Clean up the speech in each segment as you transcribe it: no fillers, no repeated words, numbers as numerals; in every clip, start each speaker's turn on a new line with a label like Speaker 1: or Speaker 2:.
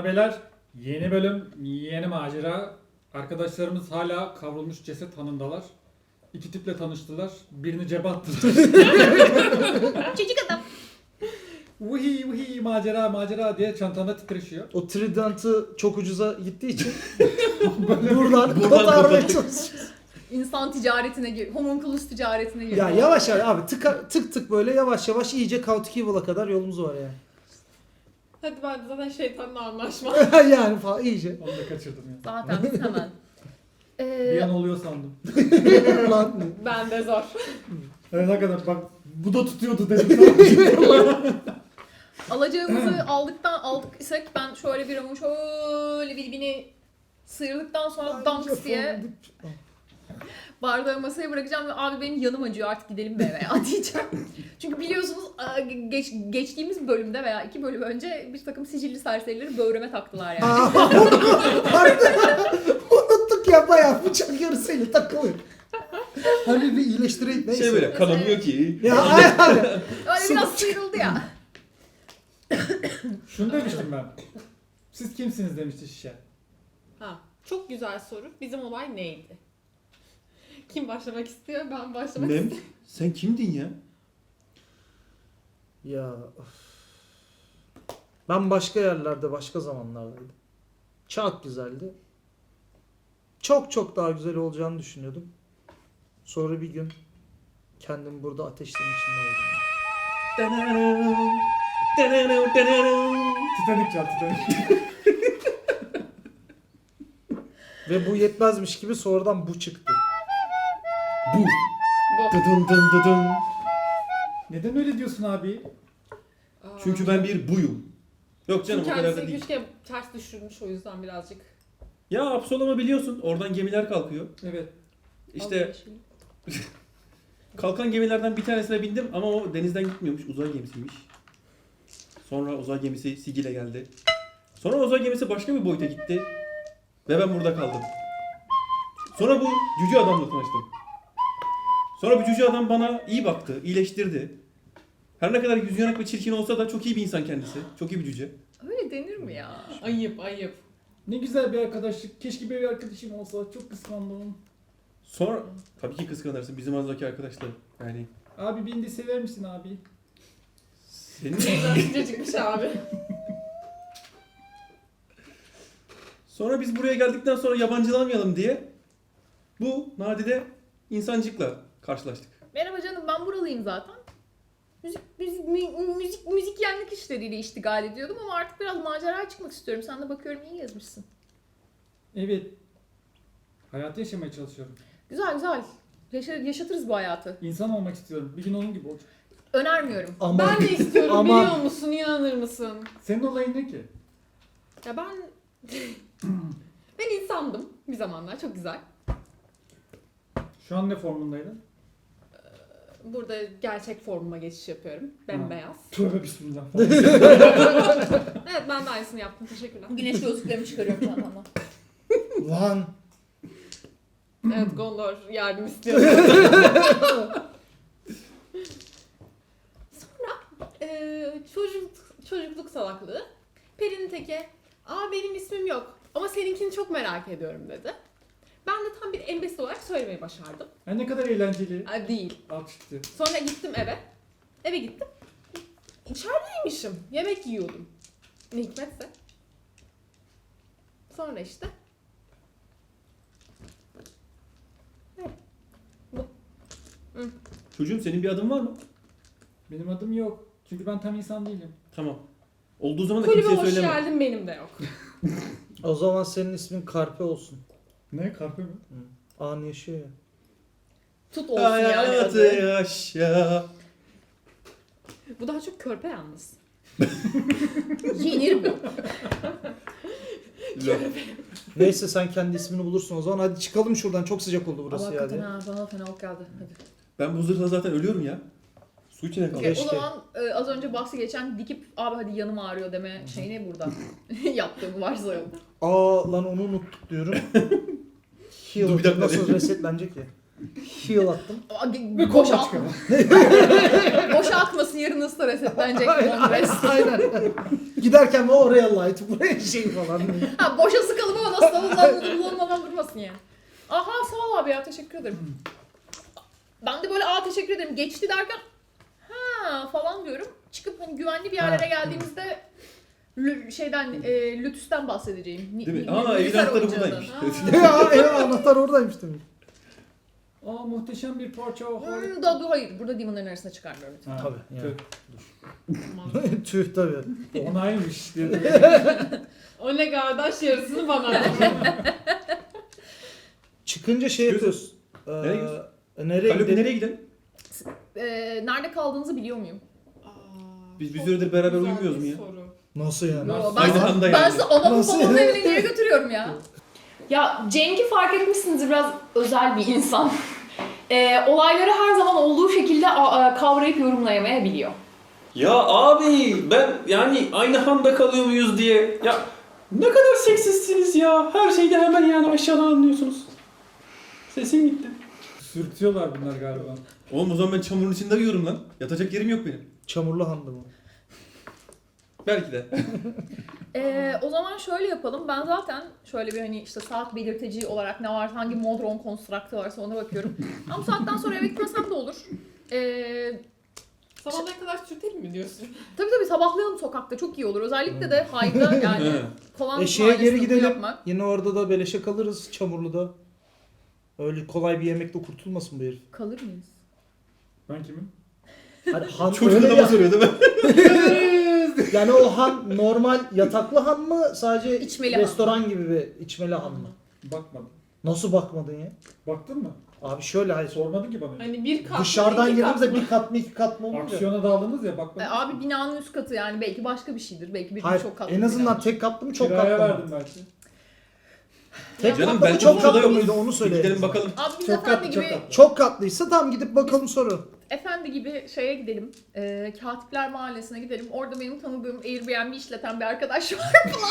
Speaker 1: beyler, yeni bölüm, yeni macera. Arkadaşlarımız hala kavrulmuş ceset hanındalar. İki tiple tanıştılar. Birini cebe attılar.
Speaker 2: Çocuk adam.
Speaker 1: Vuhi vuhi macera macera diye çantanda titreşiyor.
Speaker 3: O Trident'ı çok ucuza gittiği için buradan kotarmaya çalışıyoruz.
Speaker 2: İnsan ticaretine gir. Homunculus ticaretine gir.
Speaker 3: Ya yavaş yavaş abi tık tık böyle yavaş yavaş iyice Chaotic Evil'a kadar yolumuz var yani.
Speaker 4: Hadi ben zaten şeytanla anlaşma.
Speaker 3: Yani falan iyice.
Speaker 1: Onu da kaçırdım ya.
Speaker 2: Zaten biz hemen.
Speaker 1: Bir an oluyor sandım.
Speaker 3: Lan
Speaker 4: Ben de zor.
Speaker 1: Evet hakikaten bak bu da tutuyordu dedim.
Speaker 2: Alacağımızı aldık isek ben şöyle bir ama şöyle birbirine sıyırdıktan sonra danks diye bardağı masaya bırakacağım ve abi benim yanım acıyor artık gidelim be veya diyeceğim. Çünkü biliyorsunuz geçtiğimiz bölümde veya 2 bölüm önce bir takım sicilli serserileri böğrüme taktılar yani.
Speaker 3: unuttuk ya bayağı bıçak yarısıyla takılıyor. Hani bir iyileştireyim neyse.
Speaker 5: Şey böyle kanamıyor ki.
Speaker 3: Ya aynen.
Speaker 2: Öyle biraz sıyrıldı ya.
Speaker 1: Şunu demiştim ben. Siz kimsiniz demişti şişe.
Speaker 4: Ha, çok güzel soru. Bizim olay neydi? Kim başlamak istiyor? Ben başlamak
Speaker 5: Ne?
Speaker 4: istiyorum.
Speaker 5: Sen kimdin ya?
Speaker 3: Ya of. Ben başka yerlerde başka zamanlardaydım. Çok güzeldi. Çok daha güzel olacağını düşünüyordum. Sonra bir gün kendimi burada ateşlerin içinde buldum.
Speaker 1: Titanik çal Titanik.
Speaker 3: Ve bu yetmezmiş gibi sonradan bu çıktı.
Speaker 5: Bu.
Speaker 4: Bu.
Speaker 5: Dıdın dın dıdın.
Speaker 1: Neden öyle diyorsun abi?
Speaker 4: Aa.
Speaker 5: Çünkü ben bir buyum. Yok canım
Speaker 4: Çünkü
Speaker 5: o kadar da
Speaker 4: kendisi
Speaker 5: değil.
Speaker 4: güçke ters düşürmüş o yüzden birazcık.
Speaker 5: Ya Absolom'u biliyorsun. Oradan gemiler kalkıyor.
Speaker 1: Evet.
Speaker 5: İşte kalkan gemilerden bir tanesine bindim ama o denizden gitmiyormuş. Uzay gemisiymiş. Sonra uzay gemisi Sigil'e geldi. Sonra uzay gemisi başka bir boyuta gitti. Ve ben burada kaldım. Sonra bu cüce adamla tanıştım. Sonra bu cüce adam bana iyi baktı, iyileştirdi. Her ne kadar yüzü yanık ve çirkin olsa da çok iyi bir insan kendisi. Çok iyi bir cüce.
Speaker 2: Öyle denir mi ya?
Speaker 4: Ayıp.
Speaker 1: Ne güzel bir arkadaşlık. Keşke bir arkadaşım olsa. Çok kıskandım.
Speaker 5: Sonra tabii ki kıskanırsın bizim azdaki arkadaşlar. Yani
Speaker 1: Abi beni de sever misin abi?
Speaker 5: senin...
Speaker 4: Sıcacıkmış abi.
Speaker 5: Sonra biz buraya geldikten sonra yabancılamayalım diye bu nadide insancıkla karşılaştık.
Speaker 2: Merhaba canım ben buralıyım zaten. Müzik yenlik işleriyle iştigal ediyordum ama artık biraz maceraya çıkmak istiyorum. Sen de bakıyorum iyi yazmışsın.
Speaker 1: Evet. Hayatı yaşamaya çalışıyorum.
Speaker 2: Güzel. Yaşatırız bu hayatı.
Speaker 1: İnsan olmak istiyorum. Bir gün onun gibi olacak.
Speaker 2: Önermiyorum.
Speaker 3: Ama
Speaker 4: Ben de istiyorum
Speaker 3: Ama-
Speaker 4: biliyor musun? İnanır mısın?
Speaker 1: Senin olayın ne ki?
Speaker 4: Ya ben... ben insandım bir zamanlar. Çok güzel.
Speaker 1: Şu an ne formundaydın?
Speaker 4: Burada gerçek formuma geçiş yapıyorum. Bembeyaz.
Speaker 1: Tövbe bismillah.
Speaker 4: Evet ben de aynısını yaptım. Teşekkürler.
Speaker 2: Güneş gözlüklerimi çıkarıyorum çantamdan.
Speaker 3: lan
Speaker 4: Evet Gondor yardım istiyor. Sonra çocukluk salaklığı. Peri'nin teki, benim ismim yok ama seninkini çok merak ediyorum dedi. Ben de tam bir embesil olarak söylemeyi başardım.
Speaker 1: Ne kadar eğlenceli.
Speaker 4: Değil.
Speaker 1: Alkıştı.
Speaker 4: Sonra gittim eve. Eve gittim. İçerideymişim. Yemek yiyordum. Ne hikmetse. Sonra işte.
Speaker 5: Çocuğum senin bir adın var mı?
Speaker 1: Benim adım yok. Çünkü ben tam insan değilim.
Speaker 5: Tamam. Olduğu zaman da
Speaker 4: Kulübe
Speaker 5: kimseye
Speaker 4: hoş
Speaker 5: söyleme.
Speaker 4: geldin benim de yok.
Speaker 3: o zaman senin ismin Karpe olsun.
Speaker 1: Ne? Karpe mi?
Speaker 3: An yaşıyor ya.
Speaker 4: Tut olsun yani
Speaker 5: Hayatı
Speaker 4: adı.
Speaker 5: yaşa.
Speaker 4: Bu daha çok körpe yalnız.
Speaker 2: Yenir bu.
Speaker 3: Neyse sen kendi ismini bulursun o zaman. Hadi çıkalım şuradan. Çok sıcak oldu burası
Speaker 2: Allah
Speaker 3: ya.
Speaker 2: hakikaten
Speaker 3: diye.
Speaker 2: ha bana fenalık geldi. Hadi.
Speaker 5: Ben bu zırhla zaten ölüyorum ya. Su içine kaldım.
Speaker 2: Okay,
Speaker 3: Keşke.
Speaker 2: o zaman az önce bahsi geçen dikip abi hadi yanım ağrıyor deme şeyini burada yaptığımı varsayalım.
Speaker 3: Lan onu unuttuk diyorum. Heal
Speaker 5: Dur, bir dakika.
Speaker 3: nasıl resetlenecek ya? Heal attım.
Speaker 1: Ve koş
Speaker 2: Boşalt.
Speaker 1: çıkalım.
Speaker 2: boşa akmasın, yarın ısla resetlenecek on rest.
Speaker 3: Aynen. Giderken oraya light, buraya şey falan.
Speaker 2: Ha, boşa sıkalım ama nasıl kullanmadan durmasın yani. Aha sağ ol abi ya, teşekkür ederim. Ben de böyle teşekkür ederim geçti derken ha falan diyorum. Çıkıp hani güvenli bir yerlere geldiğimizde Lütüs'ten bahsedeceğim.
Speaker 5: Değil mi? Aa evin anahtarı buradaymış.
Speaker 3: ya anahtar oradaymış demek.
Speaker 1: Aa muhteşem bir parça.
Speaker 2: Hayır, burada demonların arasına çıkarmıyorum.
Speaker 1: Ha,
Speaker 3: Tabii, yani.
Speaker 1: tüh.
Speaker 3: Tüh tabii.
Speaker 1: Onaymış diye.
Speaker 4: O ne kardeş, yarısını bana ver.
Speaker 3: Çıkınca şey
Speaker 5: Çıkıyoruz.
Speaker 3: yapıyoruz.
Speaker 5: Nereye gidiyoruz?
Speaker 3: Nereye
Speaker 5: Kalopi
Speaker 3: gidelim?
Speaker 5: nereye gidelim?
Speaker 2: Nerede kaldığınızı biliyor muyum?
Speaker 5: Biz bir süredir beraber
Speaker 4: Güzel
Speaker 5: uyumuyoruz
Speaker 4: bir
Speaker 5: mu ya?
Speaker 4: soru.
Speaker 3: Nasıl yani?
Speaker 2: Yo,
Speaker 5: Aynı anda
Speaker 2: ben
Speaker 5: yani.
Speaker 2: sizi anamın
Speaker 3: Nasıl?
Speaker 2: babamın evine niye götürüyorum ya? Ya Cenk'i fark etmişsiniz, biraz özel bir insan. Olayları her zaman olduğu şekilde kavrayıp yorumlayamayabiliyor.
Speaker 6: Ya abi ben yani aynı handa kalıyor muyuz diye. Ya ne kadar seksistsiniz ya. Her şeyde hemen yani aşağıdan anlıyorsunuz. Sesim gitti.
Speaker 1: Sürtüyorlar bunlar galiba.
Speaker 5: Oğlum o zaman ben çamurun içinde uyuyorum lan. Yatacak yerim yok benim.
Speaker 3: Çamurlu handı mı?
Speaker 5: Belki de.
Speaker 2: O zaman şöyle yapalım. Ben zaten şöyle bir hani işte saat belirteci olarak ne var, hangi modron konstraktı varsa ona bakıyorum. Ama saatten sonra eve gitmesem de olur.
Speaker 4: Sabahlara kadar sürtelim mi diyorsun?
Speaker 2: Tabii sabahlayalım sokakta, çok iyi olur. Özellikle de Hive'da yani kovan
Speaker 3: Şeye geri
Speaker 2: mahallesinde
Speaker 3: gidelim.
Speaker 2: yapmak.
Speaker 3: Yine orada da beleşe kalırız Çamurlu'da. Öyle kolay bir yemekle kurtulmasın bu herif.
Speaker 2: Kalır mıyız?
Speaker 1: Ben kimim?
Speaker 3: Hani han
Speaker 5: Çocuk
Speaker 3: öyle
Speaker 5: adama
Speaker 3: ya.
Speaker 5: soruyor değil mi?
Speaker 3: Yani o han normal yataklı han mı? Sadece
Speaker 2: İçmeli han.
Speaker 3: restoran gibi bir içmeli han mı?
Speaker 1: Bakmadım.
Speaker 3: Nasıl bakmadın ya?
Speaker 1: Baktın mı?
Speaker 3: Abi şöyle hayır.
Speaker 1: Sormadın ki bana.
Speaker 4: Hani bir kat
Speaker 3: Dışarıdan
Speaker 4: mı, iki kat
Speaker 3: girdiğimizde
Speaker 4: mı?
Speaker 3: bir kat mı iki kat mı olur ya?
Speaker 1: Aksiyona daldınız ya bakmadın.
Speaker 2: Abi binanın üst katı, yani belki başka bir şeydir. Belki bir
Speaker 3: Hayır,
Speaker 2: çok katlı.
Speaker 3: en
Speaker 2: bir
Speaker 3: azından
Speaker 2: bina.
Speaker 3: tek katlı mı çok
Speaker 1: Kiraya
Speaker 3: katlı mı?
Speaker 1: verdim belki.
Speaker 3: Tek
Speaker 5: Canım
Speaker 3: katlı mı
Speaker 5: belki
Speaker 3: çok
Speaker 5: burada
Speaker 3: katlı
Speaker 5: yok.
Speaker 3: mıydı onu
Speaker 5: Bir
Speaker 3: söyle.
Speaker 5: gidelim bakalım.
Speaker 2: Abi biz
Speaker 1: Çok
Speaker 2: efendi
Speaker 1: katlı, çok
Speaker 2: gibi
Speaker 1: katlı.
Speaker 3: Çok katlıysa tamam gidip bakalım sonra.
Speaker 2: efendi gibi şeye gidelim. Katipler Mahallesi'ne gidelim. Orada benim tanıdığım Airbnb işleten bir arkadaş var.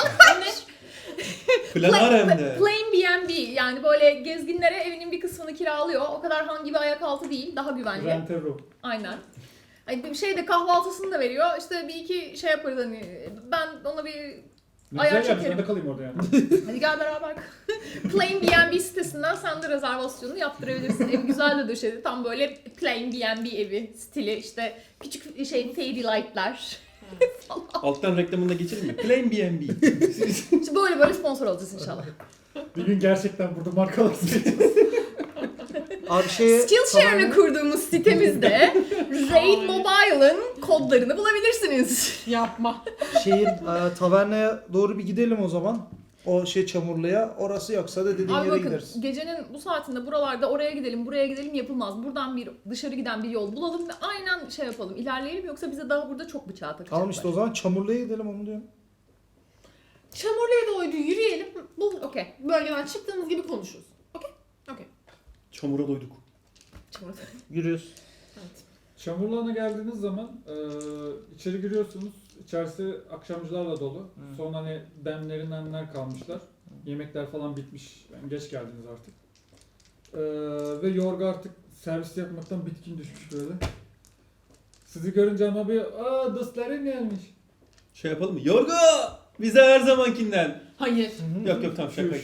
Speaker 5: Plan var hem de.
Speaker 2: Plain B&B, yani böyle gezginlere evinin bir kısmını kiralıyor. O kadar han gibi ayak altı değil, daha güvenli.
Speaker 1: Rent a room.
Speaker 2: Aynen. Hani bir şey de kahvaltısını da veriyor. İşte bir iki şey yaparız hani. Ben ona bir
Speaker 1: Ne
Speaker 2: Ayar
Speaker 1: güzel gelmiş,
Speaker 2: çekerim.
Speaker 1: ben de kalayım orada yani.
Speaker 2: hadi gel beraber. Plain B&B sitesinden sen de rezervasyonunu yaptırabilirsin. Ev güzel de döşedi. Tam böyle plain B&B evi stili, işte küçük şey fairy light'lar.
Speaker 5: Alttan reklamını da geçelim mi? Plain B&B.
Speaker 2: İşte böyle sponsor olacağız inşallah.
Speaker 1: Bir gün gerçekten burada markalar seçeceğiz.
Speaker 3: Abi şeye...
Speaker 2: Skillshare'ını kurduğumuz sitemizde Raid Mobile'ın kodlarını bulabilirsiniz.
Speaker 4: Yapma.
Speaker 3: Şehir tavernaya doğru bir gidelim o zaman. O şey Çamurlu'ya. Orası yoksa da dediğin
Speaker 2: Abi
Speaker 3: yere
Speaker 2: bakın,
Speaker 3: gideriz.
Speaker 2: gecenin bu saatinde buralarda oraya gidelim buraya gidelim yapılmaz. Buradan bir dışarı giden bir yol bulalım ve aynen şey yapalım, ilerleyelim, yoksa bize daha burada çok bıçağı takacaklar.
Speaker 3: Tamam işte o zaman Çamurlu'ya gidelim onu diyorum.
Speaker 4: Çamurlu'ya doğru yürüyelim. Bu
Speaker 2: Okey.
Speaker 4: bölgeden çıktığımız gibi konuşuruz.
Speaker 5: Çamura doyduk.
Speaker 3: Yürüyoruz.
Speaker 1: Çamurluğuna geldiğiniz zaman içeri giriyorsunuz. İçerisi akşamcılarla dolu. Son hani demler kalmışlar. Yemekler falan bitmiş. Yani geç geldiniz artık. Ve Yorga artık servis yapmaktan bitkin düşmüş böyle. Sizi görünce ama bir dostların gelmiş.
Speaker 5: Şey yapalım mı? Yorgo! Bize her zamankinden.
Speaker 4: Hayır.
Speaker 5: Yok tamam şakaydı.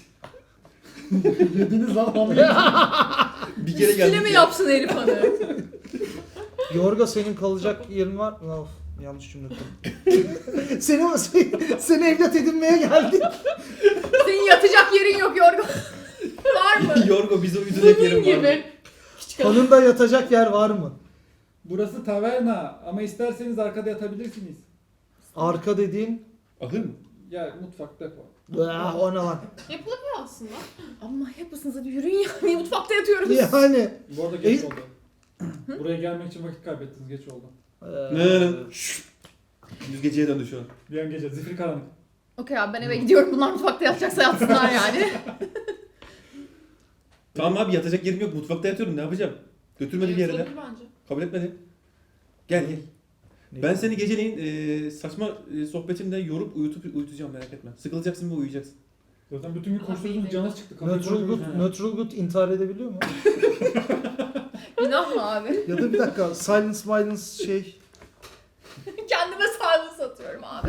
Speaker 1: Yediniz lan onu.
Speaker 5: Bir kere
Speaker 2: Üstüne
Speaker 5: geldik
Speaker 2: mi
Speaker 5: ya.
Speaker 2: yapsın herif hani?
Speaker 3: Yorga senin kalacak yerin var mı? Of, yanlış cümle kurdum. seni evlat edinmeye geldik.
Speaker 2: Senin yatacak yerin yok Yorgo. Var mı?
Speaker 5: Yorgo bize uyduracak
Speaker 4: Bunun
Speaker 5: yerim var.
Speaker 4: gibi. Küçük adam.
Speaker 3: Hanında yatacak yer var mı?
Speaker 1: Burası taverna ama isterseniz arkada yatabilirsiniz.
Speaker 3: Arka dediğin...
Speaker 5: Ahır mı?
Speaker 1: Ya mutfak depo.
Speaker 3: O ne lan?
Speaker 4: Yapılabiliyor aslında.
Speaker 2: Amma yapısınız, hadi yürüyün ya. Niye mutfakta yatıyoruz?
Speaker 3: Yani...
Speaker 1: Bu arada geç oldu. Buraya gelmek için vakit kaybettiniz, geç oldu.
Speaker 5: Düz geceye döndü şu an.
Speaker 1: Bir an gece, zifiri karanlık.
Speaker 2: Okey abi, ben eve gidiyorum. Bunlar mutfakta yatacaksa yatsınlar yani.
Speaker 5: Tamam abi yatacak yerim yok. Mutfakta yatıyorum. Ne yapacağım? Götürmedi bir yere de.
Speaker 4: Yapılabilir bence.
Speaker 5: Kabul etmedi. Gel. Ben seni geceleyin saçma sohbetimde yorup uyutacağım, merak etme. Sıkılacaksın ve uyuyacaksın.
Speaker 1: Zaten bütün gün koşturdunuz, canınız çıktı. Kapıyı
Speaker 3: Neutral
Speaker 1: koydunuz.
Speaker 3: Good intihar edebiliyor mu?
Speaker 2: Günah mı abi?
Speaker 3: Ya da bir dakika silence şey.
Speaker 2: Kendime sarlı satıyorum abi.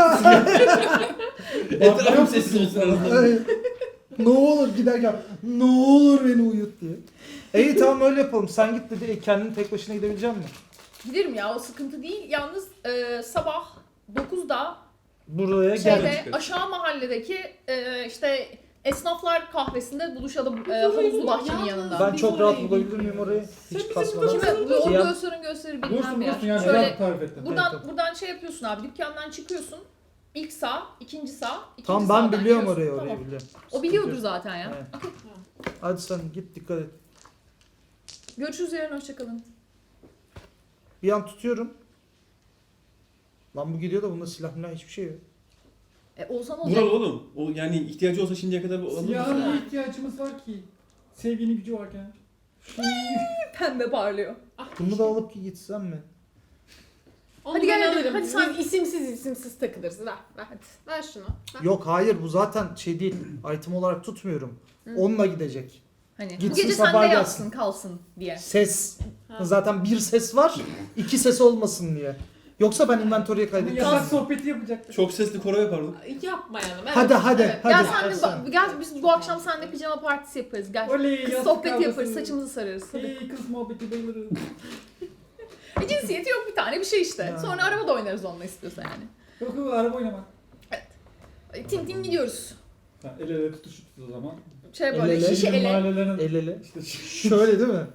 Speaker 5: Etrafım sessiz olsun en azından.
Speaker 3: Ay, ne olur giderken ne olur beni uyut diye. İyi tamam öyle yapalım. Sen git dedi. Kendin tek başına gidebilecek misin?
Speaker 2: Giderim ya, o sıkıntı değil. Yalnız sabah 9'da
Speaker 3: Buraya
Speaker 2: şeyde
Speaker 3: gel.
Speaker 5: çıkarız.
Speaker 2: aşağı mahalledeki işte esnaflar kahvesinde buluşalım havuzlu bahçenin
Speaker 4: Yalnız
Speaker 2: yanında.
Speaker 3: Ben
Speaker 4: Biz
Speaker 3: çok
Speaker 4: oraya
Speaker 3: rahat bulabilir miyim
Speaker 4: gitmiyoruz.
Speaker 3: orayı?
Speaker 4: Sen
Speaker 3: Hiç
Speaker 4: bizi
Speaker 3: kasmadan.
Speaker 2: Kime? Bu
Speaker 3: Siyah.
Speaker 2: gösterin bir
Speaker 1: Bulursun
Speaker 2: bilmem
Speaker 1: bulursun
Speaker 2: ya.
Speaker 1: yani
Speaker 2: Şöyle
Speaker 1: güzel tarif ettim.
Speaker 2: buradan şey yapıyorsun abi, dükkandan çıkıyorsun. İlk sağ, ikinci sağ, ikinci
Speaker 3: Tamam
Speaker 2: sağdan
Speaker 3: ben biliyorum
Speaker 2: giriyorsun.
Speaker 3: orayı
Speaker 2: Tamam.
Speaker 3: biliyorum.
Speaker 2: O biliyordur zaten ya.
Speaker 3: Evet.
Speaker 2: Okey.
Speaker 3: Hadi sen git dikkat et.
Speaker 2: Görüşürüz yarın, hoşçakalın.
Speaker 3: Bir an tutuyorum. Lan bu gidiyor da bunda silah milah hiçbir şey yok.
Speaker 2: Olsa ne olacak?
Speaker 5: Vural oğlum. O yani ihtiyacı olsa şimdiye kadar alır
Speaker 1: Ya
Speaker 5: mısın?
Speaker 1: ne ihtiyacımız var ki? Sevginin gücü varken.
Speaker 2: Pembe parlıyor.
Speaker 3: Bunu da alıp ki gitsem mi?
Speaker 4: Onu
Speaker 2: Hadi
Speaker 4: ben
Speaker 2: gel,
Speaker 4: alırım.
Speaker 2: hadi sen-
Speaker 4: Biz isimsiz takılırız. Ver. Ver şunu. Ver.
Speaker 3: Yok hayır bu zaten şey değil. Item olarak tutmuyorum. Onunla gidecek.
Speaker 2: Hani bu
Speaker 3: Gitsin,
Speaker 2: gece
Speaker 3: sabah
Speaker 2: sende
Speaker 3: gelsin.
Speaker 2: yatsın, kalsın diye.
Speaker 3: Ses.
Speaker 4: Ha.
Speaker 3: Zaten bir ses var. 2 ses olmasın diye. Yoksa ben inventory'e
Speaker 1: Yasak
Speaker 3: kaydedeceğim.
Speaker 1: sohbeti yapacaktık.
Speaker 5: Çok sesli koro yapardık.
Speaker 4: Yapmayalım. Evet.
Speaker 3: Hadi hadi
Speaker 2: Evet.
Speaker 3: hadi.
Speaker 2: Gel sen de
Speaker 3: Hadi
Speaker 2: gel biz bu akşam seninle pijama partisi yaparız. Gel.
Speaker 1: Oley
Speaker 2: Kız
Speaker 1: yastık
Speaker 2: sohbeti
Speaker 1: kavgası.
Speaker 2: yaparız, saçımızı sararız. Hadi.
Speaker 1: Hey kız muhabbeti bayılırız.
Speaker 2: Cinsiyeti yok, bir tane bir şey işte.
Speaker 3: Yani.
Speaker 2: Sonra arabada oynarız onunla istiyorsa yani.
Speaker 1: Yok yok araba oynamak.
Speaker 2: Tin tin gidiyoruz.
Speaker 1: Ha, el ele tutuşuruz o zaman.
Speaker 2: Şey böyle
Speaker 3: El ele.
Speaker 2: şişe ele.
Speaker 1: Mahallelerin
Speaker 3: El ele.
Speaker 1: işte
Speaker 3: Şöyle değil mi?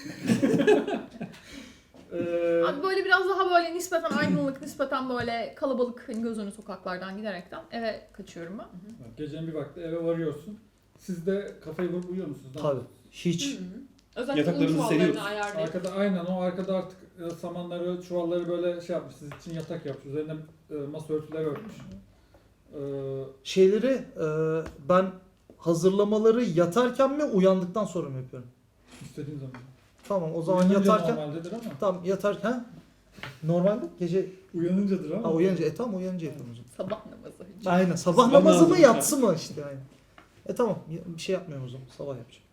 Speaker 2: Abi böyle biraz daha böyle nispeten aydınlık, nispeten böyle kalabalık, hani göz önü sokaklardan giderekten eve kaçıyorum ben.
Speaker 1: gecenin bir vakti eve varıyorsun. Siz de kafayı vurup uyuyor musunuz? Ne
Speaker 3: Tabii.
Speaker 1: yapıyorsunuz?
Speaker 3: Hiç.
Speaker 4: Hı hı. Özellikle
Speaker 5: Yataklarımızı
Speaker 4: un çuvallarını
Speaker 5: seriyoruz.
Speaker 4: ayarlayıp.
Speaker 1: Arkada aynen o arkada artık samanları, çuvalları böyle şey yapmış. Siz için yatak yapmış. Üzerine masa örtüleri örtmüş.
Speaker 3: Şeyleri ben hazırlamaları yatarken mi uyandıktan sonra mı yapıyorum?
Speaker 1: İstediğin zaman.
Speaker 3: Tamam o zaman
Speaker 1: Uyanınca
Speaker 3: yatarken
Speaker 1: normaldedir ama.
Speaker 3: tamam yatarken normalde gece
Speaker 1: Uyanıncadır ama.
Speaker 3: uyanınca tamam uyanınca yapıyorum o zaman.
Speaker 2: Sabah namazı.
Speaker 3: Aynen sabah
Speaker 5: Sabah
Speaker 3: namazı mı
Speaker 5: namazı.
Speaker 3: yatsı mı işte aynen. Tamam bir şey yapmıyorum o zaman sabah yapacağım.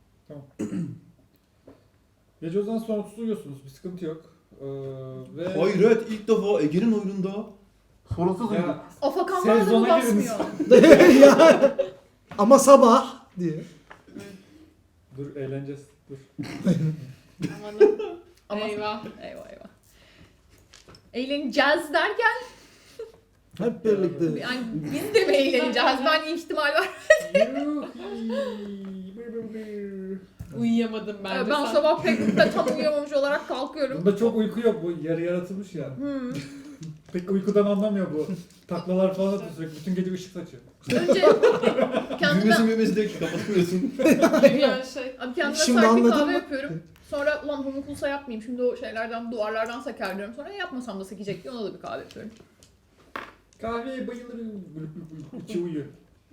Speaker 1: Gece o zaman sonra uyuyorsunuz. Bir sıkıntı yok. Ve
Speaker 5: Hayret ilk defa Ege'nin oyununda sorunsuz uyuduk.
Speaker 1: ya,
Speaker 2: Afakanlar da mı
Speaker 1: Sezona giriniz.
Speaker 2: basmıyor?
Speaker 3: Ya, ama sabah diye.
Speaker 1: dur eğleneceğiz. Dur.
Speaker 4: Amanın.
Speaker 2: Ama
Speaker 4: Eyvah.
Speaker 2: Eyvah eyvah. Eğleneceğiz derken
Speaker 3: Hep birlikte.
Speaker 2: yani biz de mi eğleneceğiz? Ben ihtimal var.
Speaker 4: Uyuyamadım ben de.
Speaker 2: Ben sabah pek de tam uyuyamamış olarak kalkıyorum.
Speaker 1: Bunda çok uyku yok. Bu yarı yaratılmış ya. Pek uykudan anlamıyor bu. Taklalar falan atıyor sürekli. Bütün gece ışık saçıyor.
Speaker 2: Önce kendime,
Speaker 5: Gülmesi diyor ki kapatmıyorsun.
Speaker 4: Yani şey.
Speaker 2: abi kendime
Speaker 3: Şimdi
Speaker 2: sert bir
Speaker 3: anladın
Speaker 2: kahve
Speaker 3: mı?
Speaker 2: yapıyorum. Sonra ulan homunculsa yapmayayım. Şimdi o şeylerden, duvarlardan seker diyorum. Sonra yapmasam da sekecek diye ona da bir kahve yapıyorum.
Speaker 1: Kahveye bayılırım. İçi uyuyor.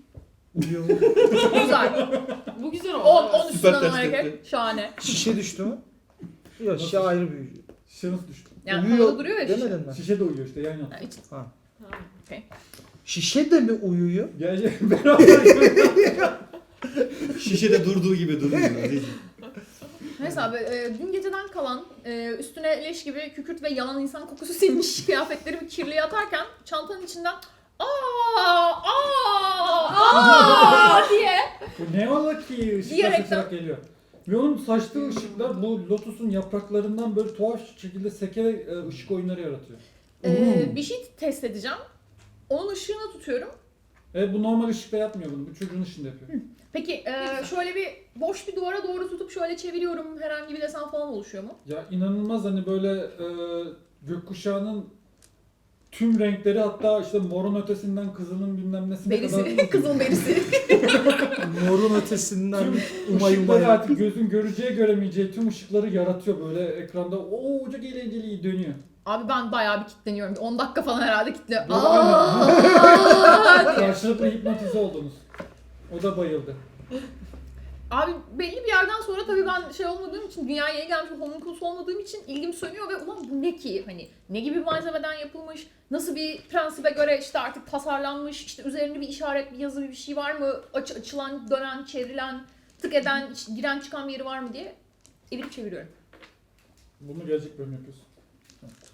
Speaker 2: Güzel.
Speaker 4: Bu güzel oldu.
Speaker 2: 10
Speaker 4: evet.
Speaker 2: üstünden
Speaker 5: ters
Speaker 2: hareket.
Speaker 5: tepki.
Speaker 2: Şahane.
Speaker 3: Şişe düştü mü? Yok şişe ayrı büyüyor.
Speaker 1: Şişe nasıl düştü?
Speaker 2: Yani
Speaker 3: Uyuyor
Speaker 2: havada duruyor ya şişe.
Speaker 3: demedin mi?
Speaker 1: Şişe de uyuyor işte yan yana.
Speaker 2: Yani hiç-
Speaker 3: Ha.
Speaker 4: Ha.
Speaker 3: Şişe de mi uyuyor?
Speaker 1: Gel beraber.
Speaker 5: Şişede durduğu gibi duruyor. Aziz.
Speaker 2: Neyse abi dün geceden kalan üstüne leş gibi kükürt ve yanan insan kokusu sinmiş kıyafetlerimi kirliye atarken çantanın içinden aa diye
Speaker 1: Bu ne ola ki ışıklar
Speaker 2: Diyerekten-
Speaker 1: saçarak geliyor. Ve onun saçtığı ışıklar bu lotusun yapraklarından böyle tuhaf şekilde sekerek ışık oyunları yaratıyor.
Speaker 2: bir şey test edeceğim. Onun ışığını tutuyorum.
Speaker 1: Evet bu normal ışıkta yapmıyor bunu. Bu çocuğun ışığında yapıyor.
Speaker 2: Peki şöyle bir boş bir duvara doğru tutup şöyle çeviriyorum. Herhangi bir desen falan oluşuyor mu?
Speaker 1: Ya inanılmaz hani böyle gökkuşağının tüm renkleri hatta işte morun ötesinden kızılın bilmem nesine kadar
Speaker 2: Berisi. Kızıl berisi.
Speaker 3: Morun ötesinden
Speaker 1: tüm
Speaker 3: umay
Speaker 1: ışıkları
Speaker 3: umay.
Speaker 1: artık gözün göreceği göremeyeceği tüm ışıkları yaratıyor böyle ekranda. Oo çok eğlenceli dönüyor.
Speaker 2: Abi ben bayağı bir kilitleniyorum. 10 dakika falan herhalde kilitliyor.
Speaker 1: Yok,
Speaker 2: Aa diye.
Speaker 1: Karşılıklı hipnotize oldunuz. O da bayıldı.
Speaker 2: Abi belli bir yerden sonra tabii ben şey olmadığım için, dünyaya yeni gelmiş bir homunculus olmadığım için ilgim sönüyor ve ulan bu ne ki? Hani ne gibi bir malzemeden yapılmış? Nasıl bir prensibe göre işte artık tasarlanmış? İşte üzerinde bir işaret, bir yazı, bir şey var mı? Açılan, dönen, çevrilen, tık eden, giren çıkan bir yeri var mı diye evirip çeviriyorum.
Speaker 1: Bunu gelecek bölüm yapıyorsun.